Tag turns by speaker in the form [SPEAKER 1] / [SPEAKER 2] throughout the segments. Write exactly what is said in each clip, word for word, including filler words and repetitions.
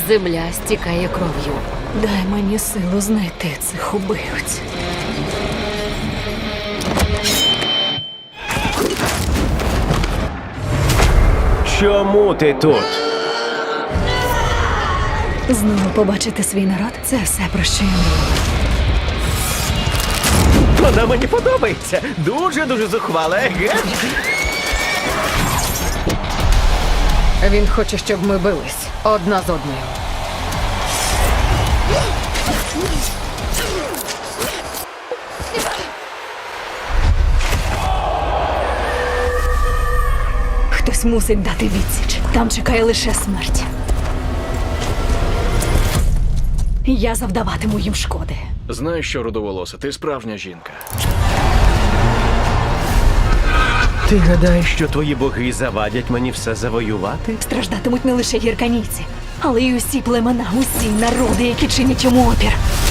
[SPEAKER 1] Земля стікає кров'ю.
[SPEAKER 2] Дай мені силу знайти цих убивць.
[SPEAKER 3] Чому ти тут?
[SPEAKER 2] Знову побачити свій народ – це все, про що я мріяла.
[SPEAKER 3] Вона мені подобається. Дуже-дуже зухвала, еге?
[SPEAKER 1] Він хоче, щоб ми бились одна з одною.
[SPEAKER 2] Хтось мусить дати відсіч. Там чекає лише смерть. Я завдаватиму їм шкоди.
[SPEAKER 4] Знаєш що, рудоволоса, ти справжня жінка.
[SPEAKER 3] Ти гадаєш, що твої боги завадять мені все завоювати?
[SPEAKER 2] Страждатимуть не лише гірканійці, але й усі племена, усі народи, які чинять йому опір.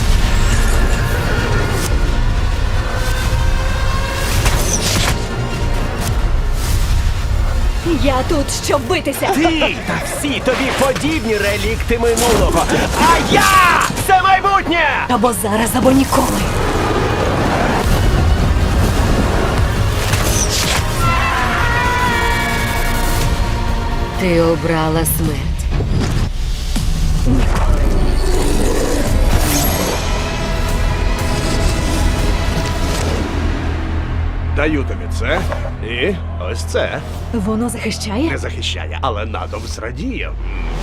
[SPEAKER 2] Я тут, щоб битися.
[SPEAKER 3] Ти та всі тобі подібні релікти минулого. А я – це майбутнє!
[SPEAKER 2] Або зараз, або ніколи.
[SPEAKER 1] Ти обрала смерть.
[SPEAKER 2] Ніколи.
[SPEAKER 5] Даю тобі це і ось це.
[SPEAKER 2] Воно захищає?
[SPEAKER 5] Не захищає, але натовп зрадіє.